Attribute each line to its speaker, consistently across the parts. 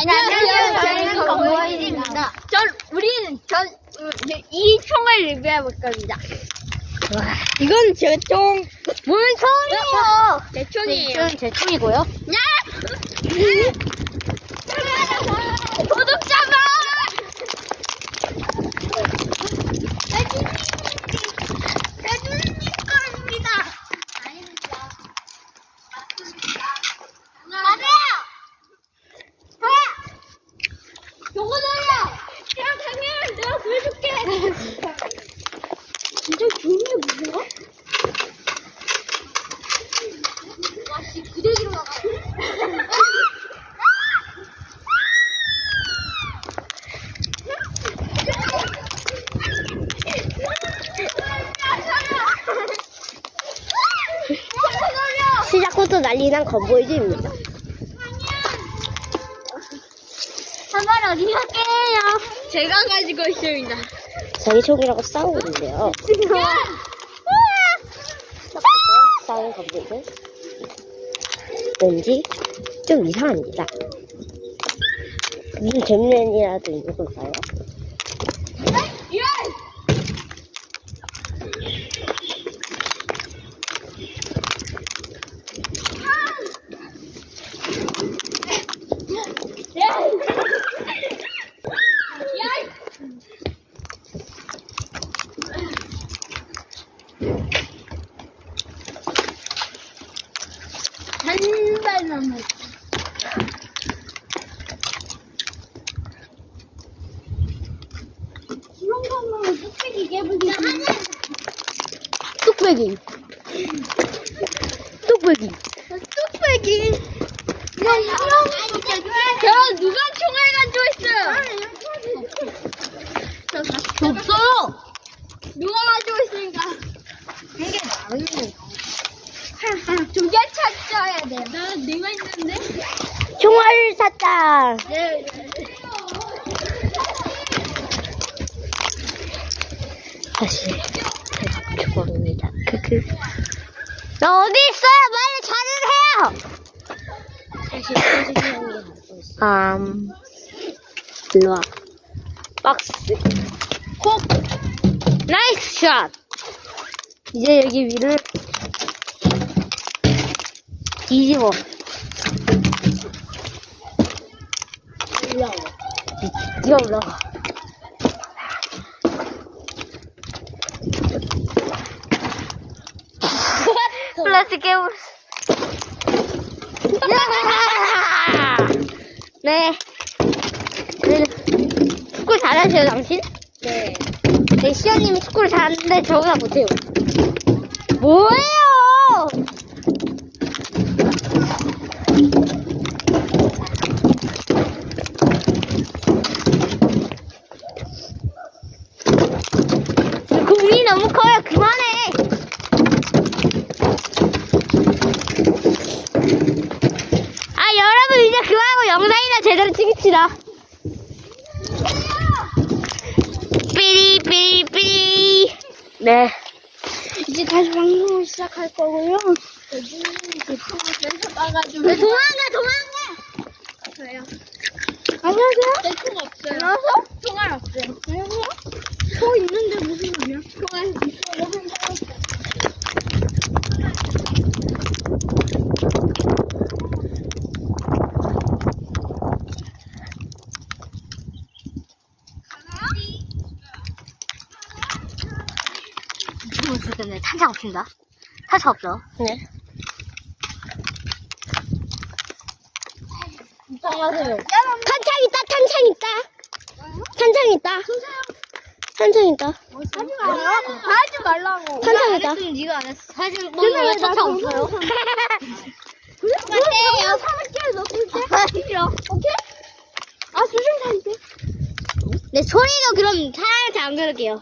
Speaker 1: 안녕하세요. 저희는 건보이즈입니다. 이 총을 리뷰해볼 겁니다.
Speaker 2: 이건 제 총.
Speaker 1: 뭔 총이에요?
Speaker 2: 제 총이에요.
Speaker 1: 이건 제 총이고요. 야! 도둑잡아! 내 누님 거입니다. 아닙니다. 맞아요! 요거 돌려! 야, 당연 내가 구해줄게! 진짜 좋은 게 뭐야? 와, 씨, 구데기로 나가.
Speaker 2: 시작부터 난리난 건보이즈입니다.
Speaker 1: 한번 어디 갈게요? 제가 가지고 있습니다.
Speaker 2: 자기 총이라고 싸우고 있는데요. 싸우는 건보이즈. 왠지 좀 이상합니다. 무슨 재밌는 일이라도 있는 걸까요?
Speaker 1: 한 발 남았. 이런 거는 뚝배기 깨부기.
Speaker 2: 뚝배기. 뚝배기.
Speaker 1: 뚝배기. 야, 누가 총을 가지고 있어요? 없어요. 누가 가지고 있으니까. 이게 나은이에요. 두 개 찾아야 돼. 내가 있는데?
Speaker 2: 총알을 샀다.
Speaker 1: 네.
Speaker 2: 다시 죽어봅니다. 크크. 나 어디 있어요? 빨리 찾으세요. 사실 선생님이 갖고 있어. 일로 와. 박스. 콕. 나이스 샷. 이제 여기 위를 뒤집어. 뛰어 올라가. 플라스틱 깨물. 네. 축구 잘하세요, 당신?
Speaker 1: 네.
Speaker 2: 네, 시연님이 축구를 잘하는데 저보다 못해요. 뭐예요? 공이 너무 커요. 그만해. 여러분 이제 그만하고 영상이나 제대로 찍읍시다. 삐리삐리삐리. 네.
Speaker 1: 이제 다시 방송을 시작할 거고요.
Speaker 2: 도망가.
Speaker 1: 저요.
Speaker 2: 안녕하세요.
Speaker 1: 총 없어요.
Speaker 2: 안녕하세요.
Speaker 1: 총알 없어요. 안녕하세요. 총 있는데 무슨 소리야? 총알 있어요.
Speaker 2: 지금 있을 때는 탄창 없습니다. 탄창 없어. 네.
Speaker 1: 이상하세요.
Speaker 2: 탄창 있다. 탄창 있다.
Speaker 1: 하지 말라고.
Speaker 2: 탄창 있다.
Speaker 1: 네가 안 했어. 사실 왜 탄창 없어요?
Speaker 2: 맞대요.
Speaker 1: 300개를 넣을 때? 싫어. 오케이? 수정사인데?
Speaker 2: 네, 소리도 그럼 살짝 안 그럴게요.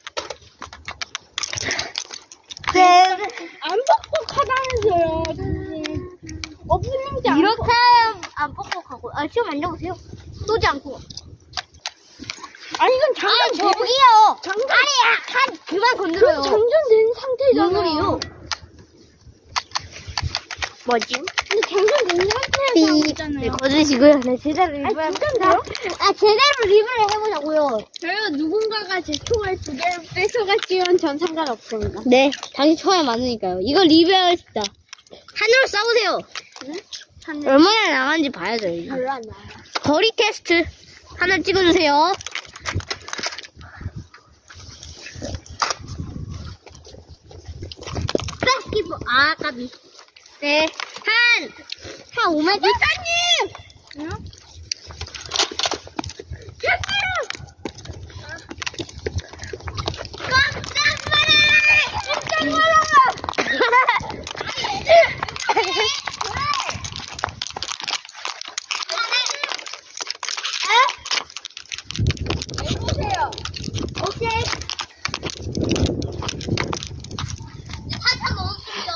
Speaker 1: 안 뻑뻑하다면서요, 선생님. 어프님도 안
Speaker 2: 이렇게 하면 안 뻑뻑하고. 시험 만져보세요. 쏘지 않고.
Speaker 1: 아니, 이건 장전
Speaker 2: 저기요.
Speaker 1: 장전.
Speaker 2: 아니, 그만 건드려요.
Speaker 1: 장전된 상태잖아.
Speaker 2: 뭔 소리예요? 뭐지?
Speaker 1: 근데 장전 공장에서 하고 있잖아요.
Speaker 2: 거두시고요. 네, 제대로
Speaker 1: 아,
Speaker 2: 리뷰를
Speaker 1: 진짜인데요?
Speaker 2: 제대로 리뷰를 해보자고요.
Speaker 1: 저요, 누군가가 제 총알 2개를 뺏어갔지만 전 상관없습니다.
Speaker 2: 네, 자기 초에 맞으니까요. 이거 리뷰하겠습니다. 하늘로 쏴보세요. 얼마나 나간지 봐야죠. 이거.
Speaker 1: 별로 안 나와요.
Speaker 2: 거리 테스트 하나 찍어주세요. 패스키퍼 까비. 네, 한 5m.
Speaker 1: 사장님! 응? 해보세요. 오케이.
Speaker 2: 탄창 넣었습니다.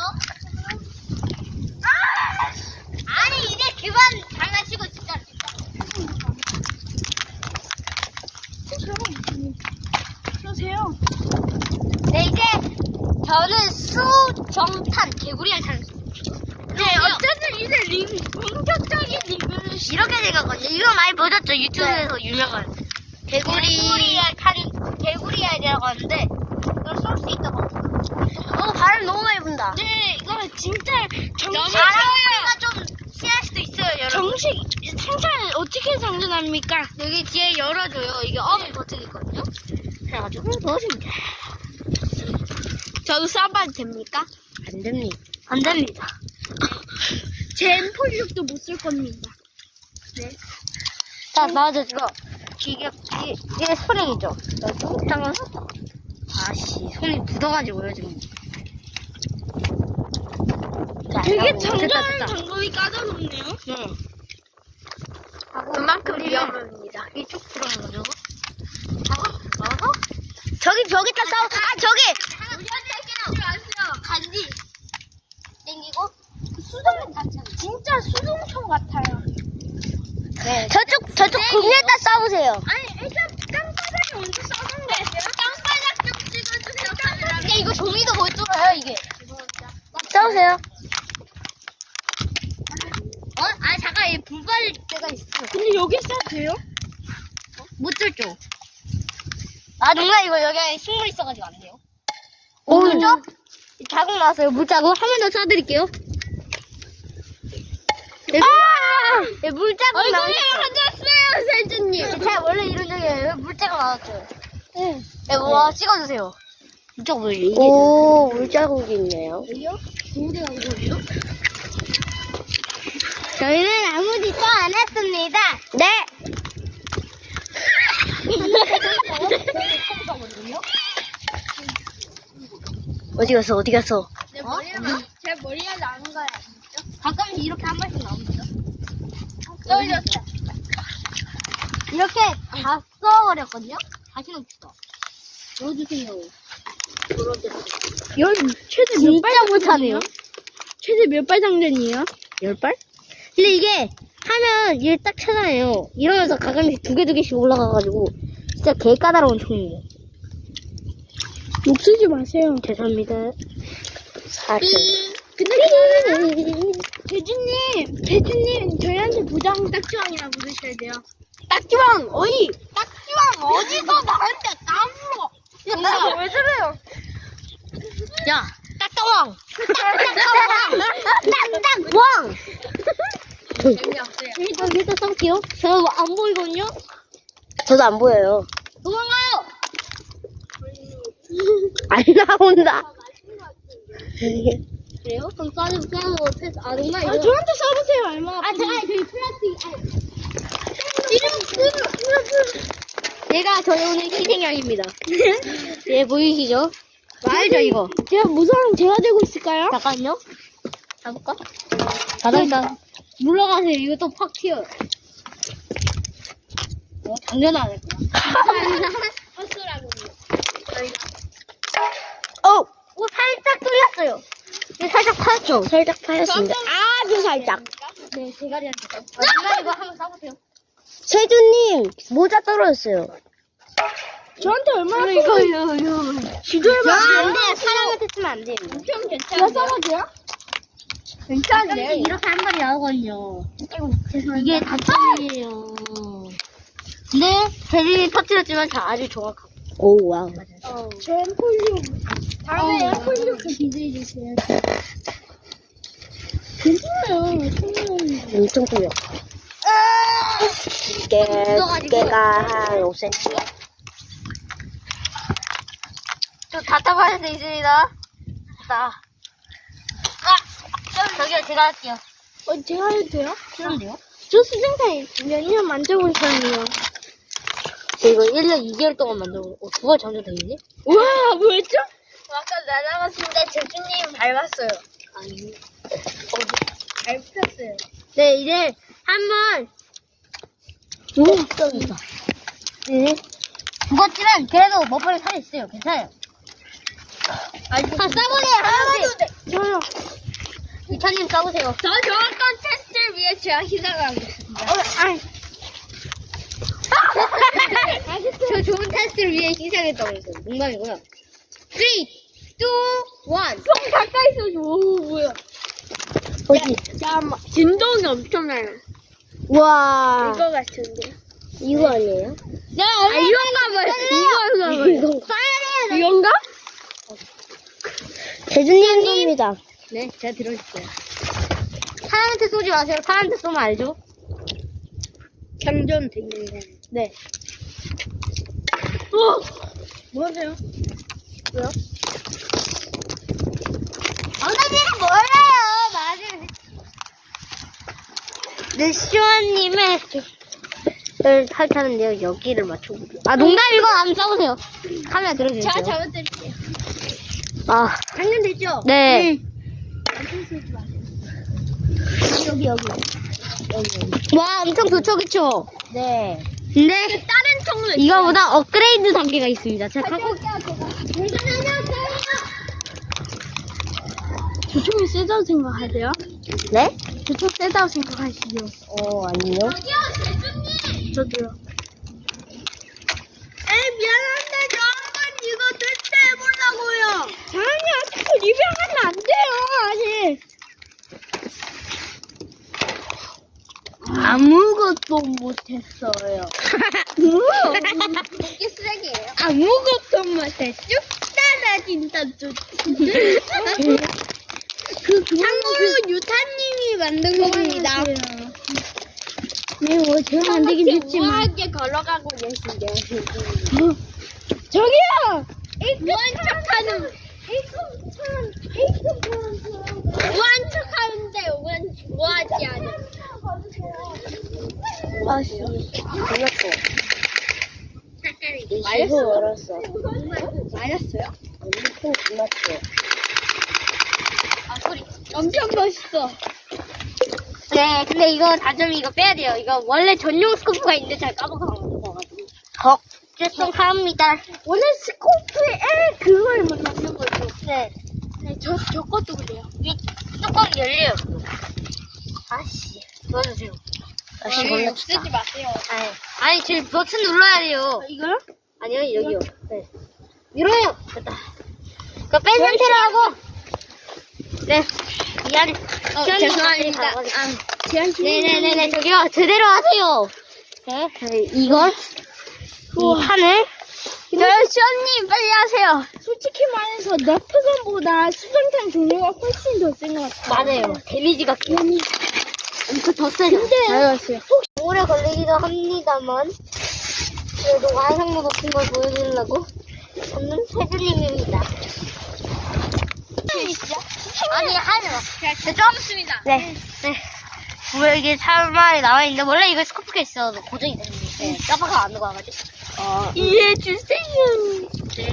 Speaker 2: 아니 이제 그만 장난치고 진짜.
Speaker 1: 쏘세요.
Speaker 2: 네 이제 저는 수정탄 개구리를 찾는.
Speaker 1: 네, 어쨌든 이제 본격적인 리뷰를
Speaker 2: 이렇게 생겼거든요. 이거 많이 보셨죠? 유튜브에서 유명한 개구리알이라고 하는데 이걸 쏠 수 있다고. 바람 너무 많이 분다.
Speaker 1: 네, 이거 진짜 정식
Speaker 2: 바람소리가 좀 심할 수도 있어요, 여러분.
Speaker 1: 정식 생산 어떻게 장전합니까?
Speaker 2: 여기 뒤에 열어줘요. 이게 어미 버튼 있거든요. 그래가지고 넣으시면 돼.
Speaker 1: 저도 쏴봐도 됩니까?
Speaker 2: 안 됩니다. 안 됩니다.
Speaker 1: 제 M46도 못 쓸 겁니다. 네.
Speaker 2: 자, 나와줘, 이거. 이게 스프링이죠? 잠깐. 아씨, 손이 묻어가지고요, 지금. 자,
Speaker 1: 되게
Speaker 2: 됐다,
Speaker 1: 장전하는
Speaker 2: 됐다.
Speaker 1: 방법이 까다롭네요.
Speaker 2: 네.
Speaker 1: 그만큼
Speaker 2: 우리가
Speaker 1: 위험합니다.
Speaker 2: 이쪽 들어가는 거죠? 저기 벽에다 싸워. 저기!
Speaker 1: 우리한테 하지 마세요.
Speaker 2: 간지. 땡기고.
Speaker 1: 진짜 수동총 같아요.
Speaker 2: 네. 저쪽 금리에다 싸우세요.
Speaker 1: 아니, 일단 땅바닥에 먼저 쏴는 거예요. 땅바닥 좀 찍어주세요, 카메라.
Speaker 2: 근데 이거 종이도 못 뚫어요, 이게. 싸우세요. 잠깐, 얘 분발일 때가 있어.
Speaker 1: 근데 여기 쏴도 돼요?
Speaker 2: 못 뚫죠? 누나, 이거 여기 식물 있어가지고 안 돼요.
Speaker 1: 오.
Speaker 2: 뚫죠? 자국 나왔어요, 물자국. 한 번 더 쏴드릴게요. 네, 물자국 나왔어요.
Speaker 1: 가졌어요, 세준님.
Speaker 2: 제가 원래 이런 적이에요. 물자국 나왔죠? 네. 네, 와, 찍어주세요. 물자국 왜 이게? 오, 물자국이 있네요.
Speaker 1: 어디가 이거예요?
Speaker 2: 저희는 아무 짓도 안 했습니다. 네. 어디 갔어?
Speaker 1: 제 머리가 나는 거야.
Speaker 2: 가끔씩 이렇게 한 번씩 나옵니다.
Speaker 1: 떨렸어.
Speaker 2: 이렇게 다 써버렸거든요? 다시 넣읍시다. 넣어주세요.
Speaker 1: 최대
Speaker 2: 진짜 못하네요.
Speaker 1: 최대 몇 발 장전이에요?
Speaker 2: 10발? 근데 이게 하면 얘 딱 찾아내요. 이러면서 가끔씩 두 개씩 올라가가지고 진짜 개 까다로운 총이에요.
Speaker 1: 목 쓰지 마세요.
Speaker 2: 죄송합니다.
Speaker 1: 근데 대주님, 저희한테 부장 딱지왕이라 부르셔야 돼요. 딱지왕, 어이! 딱지왕, 어디서 나한테 까불어! 야, 왜 저래요?
Speaker 2: 야, 딱딱왕! 딱딱왕!
Speaker 1: 재미없어요.
Speaker 2: 일단 써볼게요. 저 안 보이거든요? 저도 안 보여요. 도망가요! 안 나온다. 그래요? 그럼 쏴도 패스. 누나 이거.
Speaker 1: 저한테 써보세요, 얼마나.
Speaker 2: 제가 저기 플라스틱. 얘가 저희 오늘 희생양입니다. 얘 보이시죠? 알죠, 이거?
Speaker 1: 제가 무서운 제가 들고 있을까요?
Speaker 2: 잠깐요. 잡을까? 바닥에다 물러가세요. 이거 또 팍 튀어요. 장전 안 할 거야.
Speaker 1: 헛소라고.
Speaker 2: 살짝 뚫렸어요. 살짝 파였죠? 살짝 파였습니다.
Speaker 1: 아주 살짝.
Speaker 2: 네, 대가리한테. 누나 이거 한번 쏴보세요. 세주님, 모자 떨어졌어요.
Speaker 1: 저한테 얼마나
Speaker 2: 이거.
Speaker 1: 지도해봐.
Speaker 2: 안 돼요. 사람한테 쓰면 안 돼요.
Speaker 1: 좀 괜찮아요. 제가 써봐도요? 괜찮은데요?
Speaker 2: 이렇게 한 마리 나오거든요. 이게 단점이에요. 근데 대진이 터뜨렸지만 아주 정확하고. 오, 와우.
Speaker 1: 저 엠폴리오. 다음에 엠폴리오 기대해주세요. 괜찮아요.
Speaker 2: 엄청 커요. 두께가 한 5cm. 저 답답할 수 있습니다. 저기요, 제가 할게요.
Speaker 1: 제가 해도 돼요?
Speaker 2: 그런데요?
Speaker 1: 저 수생탄 몇 년 만져본 사람이에요.
Speaker 2: 저 이거 1년 2개월 동안 만들고, 9월 전에 되겠니?
Speaker 1: 우와, 뭐였죠? 아까 날아갔는데 제주님 밟았어요.
Speaker 2: 아니.
Speaker 1: 밟혔어요.
Speaker 2: 네, 이제 한번. 오, 떨어졌다. 네. 죽었지만, 그래도 머플에 살이 있어요. 괜찮아요. 싸보세요, 하나씩.
Speaker 1: 저요.
Speaker 2: 이찬님 싸보세요.
Speaker 1: 저 정확한 테스트를 위해 제가 희생하겠습니다.
Speaker 2: 저 좋은 테스트를 위해 희생했다고 했어요. 농담이고요. 3, 2, 1.
Speaker 1: 좀 가까이 있어줘. 오, 뭐야.
Speaker 2: 어디?
Speaker 1: 잠깐만. 진동이 엄청나요.
Speaker 2: 와.
Speaker 1: 이거 같은데.
Speaker 2: 이거 아니에요?
Speaker 1: 이건가 봐요. 이건가 봐요. 이건가?
Speaker 2: 대준님 겁니다. 네, 제가 들어줄게요. 사람한테 쏘지 마세요. 사람한테 쏘면 알죠?
Speaker 1: 장전 되겠네.
Speaker 2: 네.
Speaker 1: 뭐세요?
Speaker 2: 뭐요? 엉덩이는 몰라요. 맞아요. 네, 시원님의 탈타는데요. 여기를 맞춰보세요. 아, 농담이고 한번 써보세요. 카메라 들어주세요.
Speaker 1: 제가 잡아드릴게요.
Speaker 2: 아,
Speaker 1: 장전됐죠?
Speaker 2: 네.
Speaker 1: 여기.
Speaker 2: 와, 엄청 좋죠, 그쵸? 네. 근데
Speaker 1: 다른 통로
Speaker 2: 이거보다 업그레이드 단계가 있습니다. 제가 갖고
Speaker 1: 저쪽이 세다고 생각하세요?
Speaker 2: 네?
Speaker 1: 저쪽 세다고 생각하시죠?
Speaker 2: 아니요.
Speaker 1: 저도요. 미안한데 저 한번 이거 테스트 해보려고요. 아니요, 자꾸 리뷰하면 안 돼요, 아직. 아무것도 못했어요.
Speaker 2: 이게 쓰레기예요.
Speaker 1: 아무것도 못해. 쭉 따라진다, 쭉. 참고로 유타님이 만든 겁니다. 네, 뭐 제가 만들긴 했지만. 우아하게 걸어가고 계신데. 저기요! 우한 척하는. 우한 척하는데 우하지 않아.
Speaker 2: 아씨, 몰랐어.
Speaker 1: 맞았어?
Speaker 2: 알았어.
Speaker 1: 맞았어요?
Speaker 2: 엄청 고맙죠.
Speaker 1: 소리. 엄청 멋있어.
Speaker 2: 네, 근데 이거 단점이 이거 빼야 돼요. 이거 원래 전용 스코프가 있는데 잘 까먹어가지고. 죄송합니다.
Speaker 1: 원래 스코프에 그걸 넣는 거죠.
Speaker 2: 네.
Speaker 1: 네, 저 것도 그래요.
Speaker 2: 이 뚜껑 열려요. 아씨, 도와주세요. 아씨, 몰랐다.
Speaker 1: 쓰지 마세요.
Speaker 2: 아니, 지금 버튼 눌러야 돼요.
Speaker 1: 이거요?
Speaker 2: 아니요, 여기요. 네. 밀어요. 됐다. 그거 뺀 상태로 하고. 네. 미안.
Speaker 1: 죄송합니다.
Speaker 2: 네네네네, 저기요. 제대로 하세요. 네. 이걸, 이 판을.
Speaker 1: 시원님 빨리 하세요. 솔직히 말해서 너프건보다 수정탄 종류가 훨씬 더 센 것 같아요.
Speaker 2: 맞아요. 데미지가 엄청 더 세죠.
Speaker 1: 알았어요.
Speaker 2: 오래 걸리기도 합니다만, 그래도 완성도 높은 걸 보여드리려고, 저는 세준님입니다. 아니, 하지 마.
Speaker 1: 네, 좀 있습니다.
Speaker 2: 네. 왜 이게 사말이 나와있는데, 원래 이거 스코프가 있어. 고정이 되는데, 까봐가 안 녹아가지고.
Speaker 1: 이해해주세요.
Speaker 2: 네.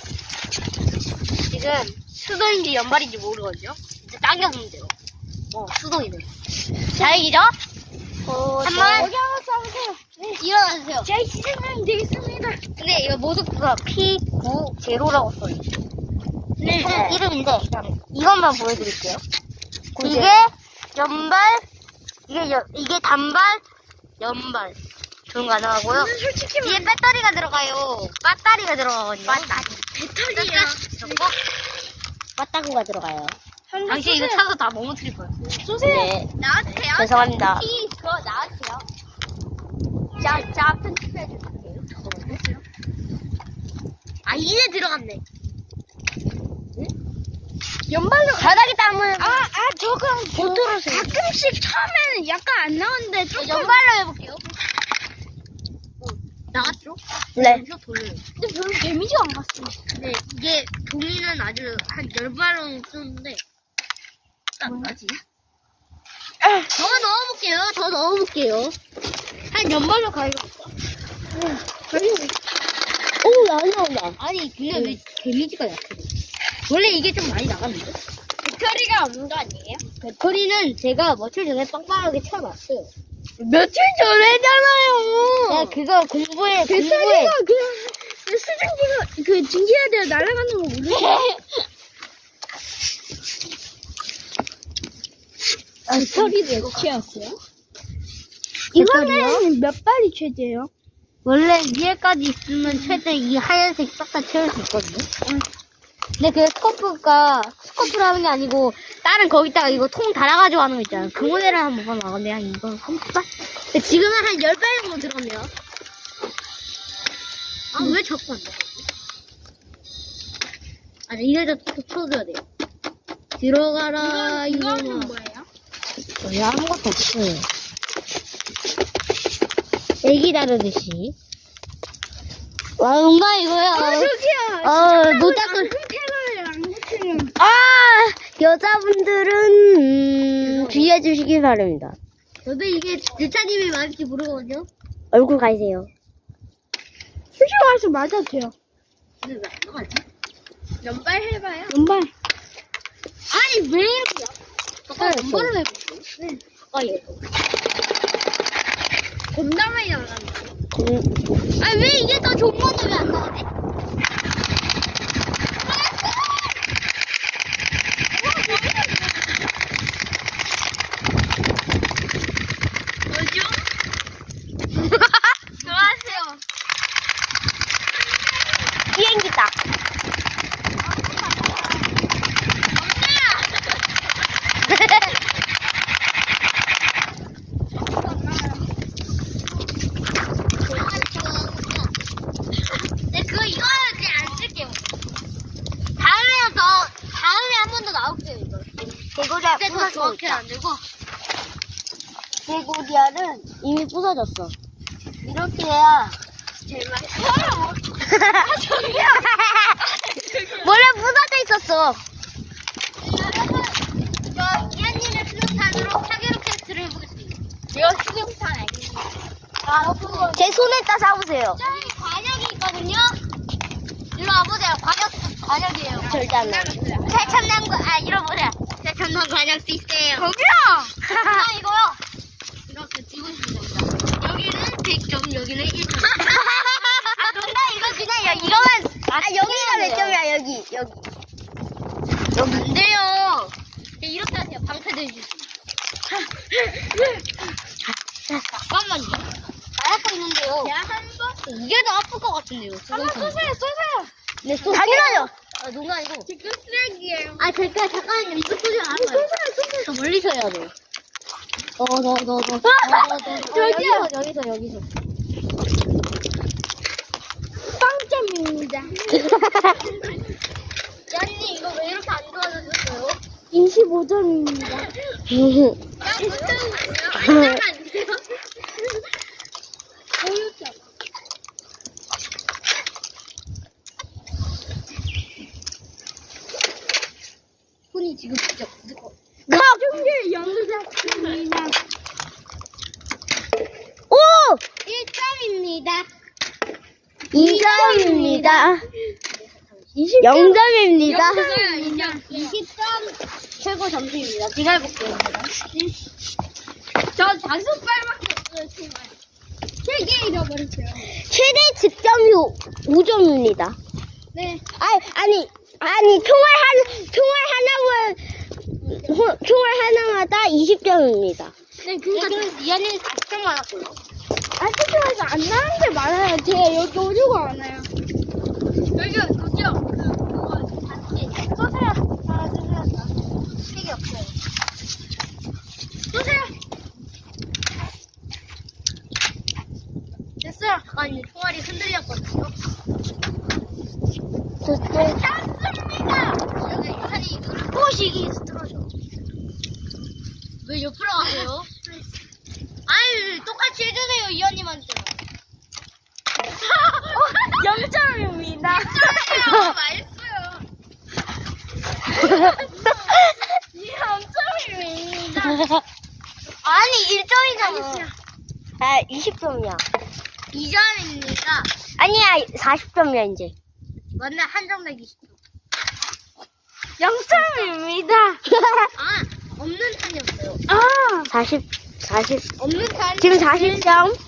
Speaker 2: 지금 수동인지 연발인지 모르거든요. 이제 당겨보면 돼요. 수동이네. 다행이죠? 한번
Speaker 1: 여기 하나 써보세요.
Speaker 2: 일어나주세요.
Speaker 1: 제 희생하면 되겠습니다.
Speaker 2: 근데 이거 모습가 P90라고 써있죠.
Speaker 1: 네.
Speaker 2: 이름인데, 이것만 보여드릴게요. 이게 연발, 이게 단발, 연발. 조용 가능하고요.
Speaker 1: 솔직히
Speaker 2: 뒤에 배터리가 들어가요. 배터리가 들어가거든요.
Speaker 1: 배터리요.
Speaker 2: 맞다구가 들어가요. 당신 이거 차서 다 넘어뜨릴 거야.
Speaker 1: 쏘세요.
Speaker 3: 네.
Speaker 1: 나한테요.
Speaker 3: 죄송합니다.
Speaker 1: 그거 나한테요. 자, 편집해줄게요.
Speaker 2: 아, 이제 들어갔네.
Speaker 1: 연발로.
Speaker 3: 바닥에 땀을.
Speaker 1: 저거
Speaker 2: 못 들으세요.
Speaker 1: 가끔씩 처음에는 약간 안 나오는데 조금.
Speaker 2: 연발로 해볼게요. 나갔죠?
Speaker 3: 네.
Speaker 2: 여기서 돌려요.
Speaker 1: 근데 별로 데미지가 안 갔어요.
Speaker 2: 근데 이게 종이는 아주 한 10발은 쓰는데 안 나지? 더 넣어볼게요. 한 10발로 가야겠다.
Speaker 3: 오, 안 나온다.
Speaker 2: 아니, 근데 왜 데미지가 약해? 원래 이게 좀 많이 나갔는데?
Speaker 1: 배터리가 없는 거 아니에요?
Speaker 2: 배터리는 제가 며칠 전에 빵빵하게 채워놨어요.
Speaker 1: 며칠 전에잖아요.
Speaker 2: 야, 그거 공부해.
Speaker 1: 배터리가 그냥 수증기가 그 증기해야 돼요. 날아가는 거 모르세요? 배터리 몇 채였어요? 이거는 몇 발이 최대예요?
Speaker 2: 원래 위에까지 있으면 최대 이 하얀색 싹 다 채울 수 있거든요. 근데 그 스코프로 하는 게 아니고, 다른 거기다가 이거 통 달아가지고 하는 거 있잖아요. 그 모델을 한번 봐봤는데, 한 이건 30발? 근데 지금은 한 10발 정도 들었네요. 아, 왜 자꾸 안 나가지? 아니, 이래도 쳐줘야 돼요. 들어가라,
Speaker 1: 이거는
Speaker 2: 이거는.
Speaker 1: 뭐예요?
Speaker 2: 여기 아무것도 없어요. 애기 다루듯이. 와, 뭔가 이거야.
Speaker 1: 저기요.
Speaker 2: 노작을.
Speaker 1: 태그를 안 붙이면.
Speaker 3: 여자분들은 주의해 주시기 바랍니다.
Speaker 2: 저도 이게 유차님이 맞을지 모르거든요.
Speaker 3: 얼굴 가리세요.
Speaker 1: 수시로 가서 맞아도 돼요.
Speaker 2: 근데 왜 안 나가지?
Speaker 1: 연발 해봐요. 연발.
Speaker 2: 아니, 왜 이렇게. 아까 연발을 해볼게요.
Speaker 1: 네.
Speaker 2: 예.
Speaker 1: 겁나 많이 나가는데.
Speaker 2: 아니, 왜 이게 더 좋은 건데 왜 안 나가지?
Speaker 1: 뭐죠? 들어가세요.
Speaker 3: 비행기다.
Speaker 2: 네, 이거는 그냥 안 쓸게요. 다음에 한 번 더 나올게요, 이거.
Speaker 3: 개구리야
Speaker 2: 근데 더
Speaker 3: 부서지고
Speaker 2: 정확히
Speaker 3: 있다.
Speaker 2: 안 되고.
Speaker 3: 개구리알은 이미 부서졌어. 이렇게 해야
Speaker 1: 제일 맛있어요.
Speaker 3: 저기요. 원래 부서져 있었어.
Speaker 2: 저 이한님의 수능탄으로 사계로 캐스트를 해보겠습니다.
Speaker 1: 이거 수경탄 아니에요?
Speaker 3: 제 손에다 잡으세요.
Speaker 2: 저기 관역이 있거든요? 이리 와보세요. 관역이에요.
Speaker 3: 절대 안 나와.
Speaker 2: 잃어보세요. 최첨단 관역 시스템.
Speaker 1: 저기요!
Speaker 2: 이거요. 이렇게 찍고 있습니다. 여기는 100점, 여기는 1점.
Speaker 3: 이거 그냥 이거만. 여기가 몇 점이야 여기.
Speaker 2: 안 돼요. 이렇게 하세요. 방패 들주세요. 잠깐만요. 나약거 있는데요.
Speaker 1: 한 번.
Speaker 2: 이게 더 아플 것 같은데요.
Speaker 1: 한번 쏘세요.
Speaker 2: 네,
Speaker 3: 당연하죠.
Speaker 2: 농구 아니고.
Speaker 1: 지금 쓰레기예요.
Speaker 2: 잠깐만요. 이거 쏘지 않아요. 더 멀리서 해야 돼요.
Speaker 1: 저기요.
Speaker 2: 여기서.
Speaker 1: 빵점입니다.
Speaker 2: 야님, 이거 왜 이렇게 안 좋아졌어요?
Speaker 1: 25점입니다.
Speaker 2: 안 돼요? 손이 지금 진짜 무거워.
Speaker 1: 나중에 연극작입니다.
Speaker 3: 오!
Speaker 2: 1점입니다.
Speaker 3: 2점입니다. 0점입니다.
Speaker 2: 20점 최고 점수입니다. 제가 해볼게요.
Speaker 1: 저 5발밖에 없어요, 정말. 3개 잃어버렸어요.
Speaker 3: 최대 득점이 5점입니다.
Speaker 1: 네.
Speaker 3: 아니, 총알 하나마다 20점입니다.
Speaker 1: 네, 그니까.
Speaker 2: 이한이는 40점 많았고요.
Speaker 1: 아직까지 안 나는 게 많아요. 제가 여기 오려고 안 와요. 여기요, 그거, 쏘세요. 하나, 둘, 셋.
Speaker 3: 책이 없어요.
Speaker 1: 보세요. 됐어요.
Speaker 3: 아까 이제 총알이 흔들렸거든요.
Speaker 1: 잡습니다.
Speaker 3: 여기 유탄이
Speaker 1: 보시기 들어줘.
Speaker 3: 왜 옆으로 가세요? 아유, 똑같이 해주세요, 이현님한테.
Speaker 1: 0점입니다.
Speaker 3: 맛있어요.
Speaker 1: 0점입니다.
Speaker 3: 아니, 1점이잖아.
Speaker 2: 아, 20점이야.
Speaker 3: 2점입니다.
Speaker 2: 아니야, 40점이야, 이제.
Speaker 3: 맞네, 한점 더 20점.
Speaker 1: 0점입니다.
Speaker 3: 아, 없는 탄이 없어요.
Speaker 1: 아,
Speaker 2: 40.
Speaker 3: 없는 탄.
Speaker 2: 지금 40점?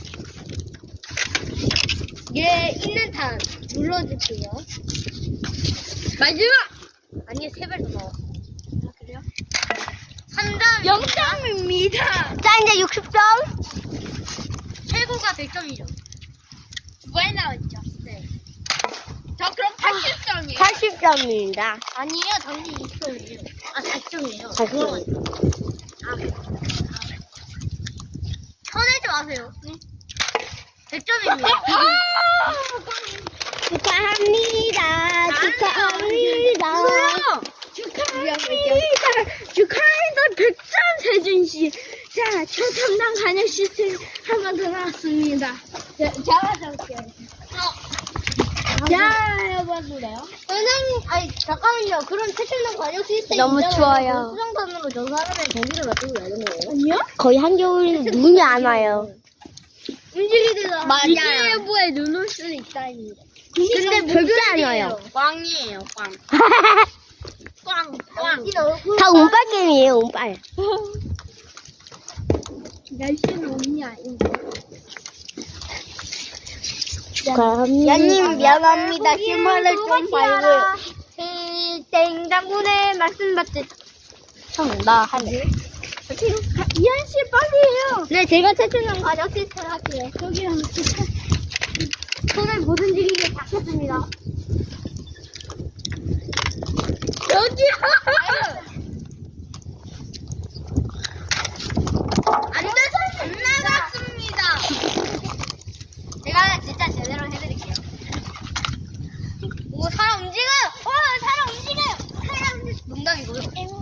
Speaker 3: 예, 있는 탄. 눌러주세요.
Speaker 1: 마지막.
Speaker 3: 아니, 3배 더 넣어.
Speaker 1: 아, 그래요?
Speaker 3: 3점.
Speaker 1: 0점입니다.
Speaker 2: 자, 이제 60점?
Speaker 3: 최고가 100점이죠.
Speaker 1: 두 번 나왔죠.
Speaker 3: 네.
Speaker 1: 저 그럼 80점이에요.
Speaker 2: 80점입니다.
Speaker 3: 아니에요, 당신 20점이에요. 아, 4점이에요.
Speaker 2: 40점.
Speaker 3: 쳐내지 마세요. 100점입니다.
Speaker 2: 축하합니다. 축하합니다.
Speaker 1: 축하합니다. 100점 세준씨. 자, 초탐당 간역 시스템 한 번 더 나왔습니다. 잡아줄게요. 자, 해봐줄래요?
Speaker 3: 선생님, 아니, 잠깐만요. 그럼 최첨단 관역 시스템
Speaker 2: 너무 추워요.
Speaker 3: 수정선으로 저 사람의 전기를 맞추고 가는 거예요.
Speaker 1: 아니요?
Speaker 2: 거의 한겨울 눈이 안 와요.
Speaker 3: 움직이다가
Speaker 2: 맞아요.
Speaker 1: 일기예보에 눈 올 수 있다입니다.
Speaker 2: 근데 절대 안 와요.
Speaker 3: 꽝이에요, 꽝. 꽝, 꽝.
Speaker 2: 다 운빨 게임이에요, 운빨.
Speaker 1: 날씨는 온이 아닌데.
Speaker 2: 축하합니다.
Speaker 3: 야님, 미안합니다. 실물을 좀 봐요.
Speaker 2: 땡장군의 말씀 받지. 나 하네.
Speaker 1: 이한씨 빨리 해요.
Speaker 3: 네, 제가 최첨단 관역 시스템 할게요.
Speaker 1: 저기 한번
Speaker 3: 손을 못 움직이게 닫혔습니다.
Speaker 1: 여기요.
Speaker 3: 안 돼서 안 나갔습니다. 제가 진짜 제대로 해드릴게요. 오, 사람 움직여요! 사람 움직여요! 사람 움직여요! 농담이고요.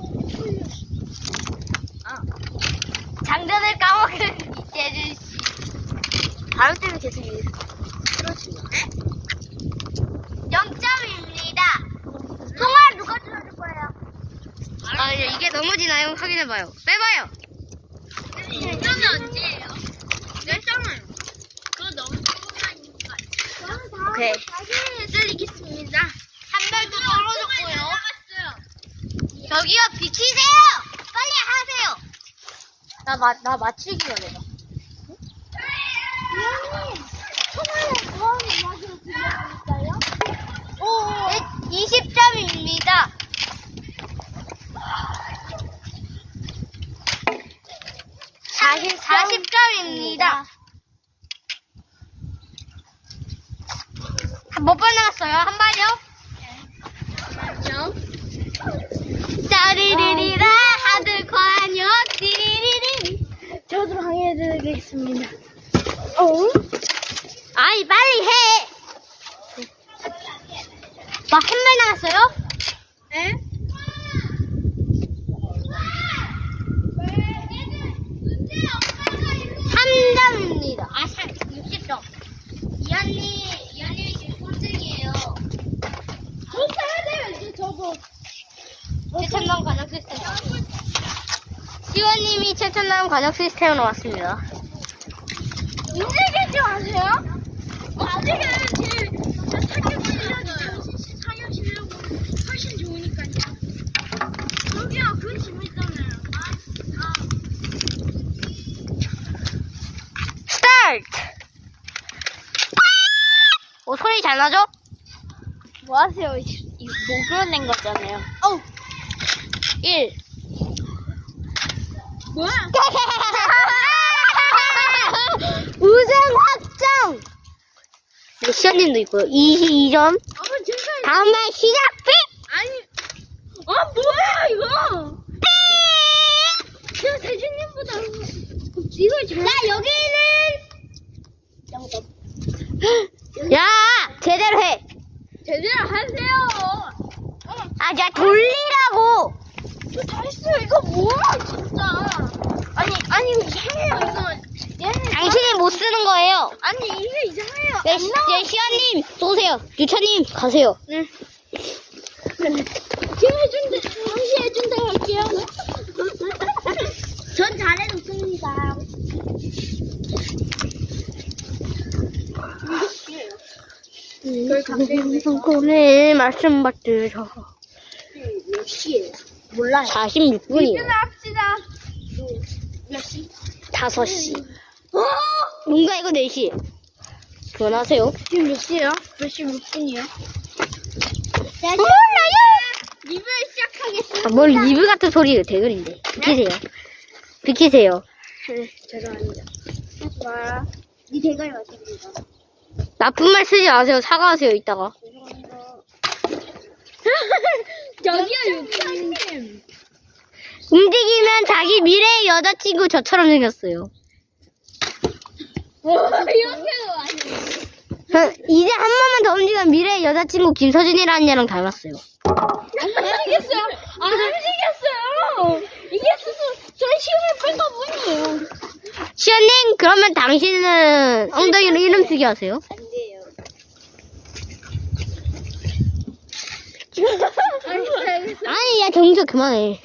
Speaker 3: 아, 장전을 까먹은 이재준씨. 바로 때문에 계속 그렇습니다. 0점입니다. 통화 누가 들어줄 거예요? 아, 이게 넘어지나요? 확인해봐요. 빼봐요. 이러면 언제예요? 몇 점을? 그거 너무 조금만 오케이. 다시 해드리겠습니다. 한 발도 떨어졌고요. 저기요, 비키세요! 빨리 하세요! 나 맞추기만 해봐.
Speaker 1: 천원에 뭐하는 맛으로 들려드릴까요?
Speaker 3: 20점입니다.
Speaker 2: 사십
Speaker 3: 40점입니다. 몇 번 나왔어요? 한 발이요? 짜리리리라 하드 관여 띠리리리.
Speaker 1: 저도 항해해드리겠습니다.
Speaker 3: 아이 빨리 해. 막 한 발 나왔어요?
Speaker 1: 에?
Speaker 3: 3점입니다. 60점. 이한님이 지금 꼴등이에요.
Speaker 1: 저도 해야 돼요, 이제 저도.
Speaker 3: 최첨단 관역 시스템. 시원님이 최첨단 관역 시스템으로 왔습니다.
Speaker 1: 움직이지 마세요. 아직은 제 타격 실력이 당신씨 사격 실력으로 훨씬 좋으니까요. 저기요, 그 재밌잖아요.
Speaker 2: 스타트!
Speaker 3: 소리 잘 나죠?
Speaker 1: 뭐 하세요? 이거 목으로 낸 거잖아요.
Speaker 3: 1.
Speaker 1: 뭐야?
Speaker 2: 우승 확정! 네, 시연님도 있고요. 22점.
Speaker 1: 제가
Speaker 2: 다음 말 시작! 삑!
Speaker 1: 아니, 뭐야, 이거? 이거보다 이걸 잘.
Speaker 3: 자, 여기는
Speaker 2: 야, 제대로 해.
Speaker 1: 제대로 하세요.
Speaker 2: 아, 야, 돌리라고.
Speaker 1: 저 잘했어요. 이거 뭐야 진짜. 아니 이상해요 이거. 얘는
Speaker 2: 당신이 못 쓰는 거예요.
Speaker 1: 아니 이게 이상해요.
Speaker 2: 네, 시아님 쏘세요. 유차님 가세요.
Speaker 1: 네. 제가 해준대. 당시 해준대 할게요.
Speaker 3: 전 잘해줬습니다.
Speaker 1: 그걸 갑자기
Speaker 2: 성공의 말씀 받들어.
Speaker 1: 몇 시에요?
Speaker 3: 몰라요.
Speaker 2: 46분이요.
Speaker 1: 합시다. 몇 시?
Speaker 2: 5시. 뭔가 이거 4시. 그만하세요.
Speaker 1: 지금 몇 시에요? 몇 시 몇 분이요?
Speaker 2: 몰라요.
Speaker 1: 리뷰 시작하겠습니다.
Speaker 2: 아, 뭘 리뷰 같은 소리 대글인데. 비키세요. 비키세요.
Speaker 1: 네, 죄송합니다. 와, 니 대가리 맞습니다.
Speaker 2: 나쁜 말 쓰지 마세요. 사과하세요, 이따가.
Speaker 1: 저기요, 유타님.
Speaker 2: 움직이면 자기 미래의 여자친구 저처럼 생겼어요.
Speaker 1: 이렇게도 아니에요.
Speaker 2: 이제 한 번만 더 움직이면 미래의 여자친구 김서진이라는 애랑 닮았어요.
Speaker 1: 안 움직였어요. 안 움직였어요. 이게 스스로 전 힘을 뺀 것뿐이에요.
Speaker 2: 시연님, 그러면 당신은 엉덩이로 이름 쓰기 하세요.
Speaker 3: 안 돼요.
Speaker 1: 알겠어요.
Speaker 2: 아니, 야, 정서 그만해.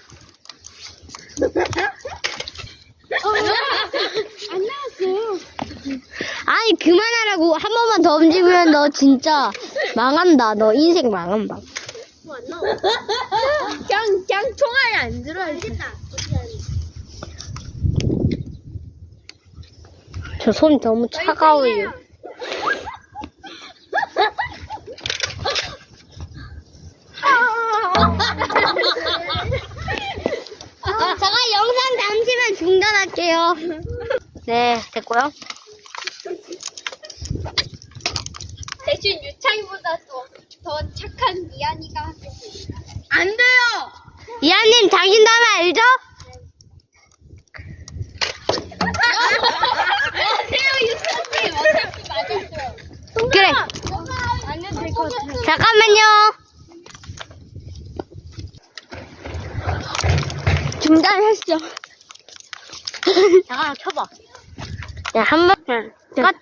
Speaker 1: 안 나왔어요.
Speaker 2: 아니, 그만하라고. 한 번만 더 움직이면 너 진짜 망한다. 너 인생 망한다.
Speaker 1: 안 나와. 그냥 통화에 안 들어요.
Speaker 3: 알겠다.
Speaker 2: 저 손 너무 차가워요. 잠깐 영상 잠시만 중단할게요. 네, 됐고요.
Speaker 1: 대신 유창이보다 더 착한 미안이가 하겠습니다. 안 돼요!
Speaker 2: 이하님, 당신 다음에 알죠?
Speaker 1: 안돼요, 유창님! 어차피 맞았어요.
Speaker 2: 그래.
Speaker 1: 안 해도 될 것 같아요.
Speaker 2: 잠깐만요.
Speaker 1: 중단하시죠.
Speaker 2: 잠깐만, 켜봐. 야, 한 번, 끝.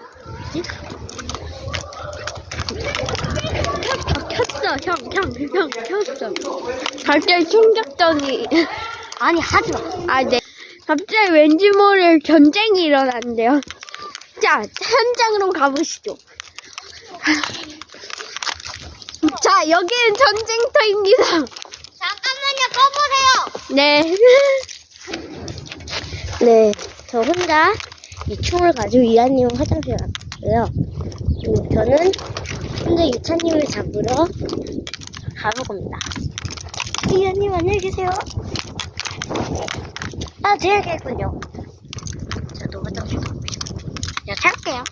Speaker 1: 켰어, 형, 켰어. 갑자기 충격적이.
Speaker 2: 아니, 하지 마.
Speaker 1: 아, 네. 갑자기 왠지 모를 전쟁이 일어난대요. 자, 현장으로 가보시죠. 자, 여기는 전쟁터입니다.
Speaker 3: 잠깐만요, 꺼보세요.
Speaker 1: 네.
Speaker 2: 네, 저 혼자 이 총을 가지고 이하님은 화장실 갔고요. 저는 혼자 유차님을 잡으러 가볼 겁니다. 이하님 안녕히 계세요. 아, 제 얘기했군요. 저도 화장실 가고 싶고. 제가 찾을게요.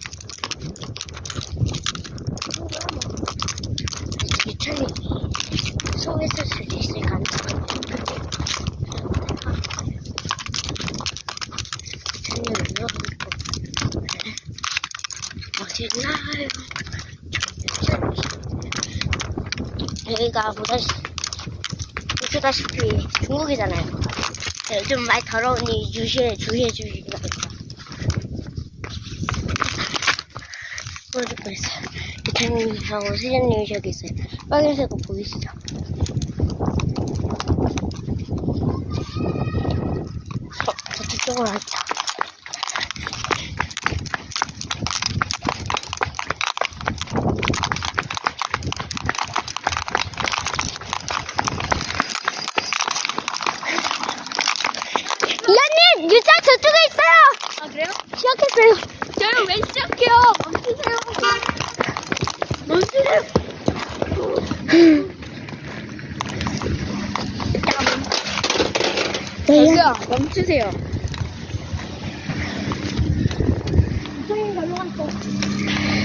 Speaker 2: 유차님 속에 있을 수도 있을 가능성이 어디나요? 여기가 보시다시피 중국이잖아요. 요즘 많이 더러우니 주의해 주시기 바랍니다. 보여줄 뻔했어요. 대통령하고 수장님이 저기 있어요. 빨간색 옷 보이시죠? 저쪽으로 왔죠. 이하님! 유자 저쪽에 있어요!
Speaker 1: 아, 그래요?
Speaker 2: 시작했어요.
Speaker 1: 저를 왜 시작해요? 멈추세요. 저기요, 멈추세요.
Speaker 3: 선생님, 가져갔어.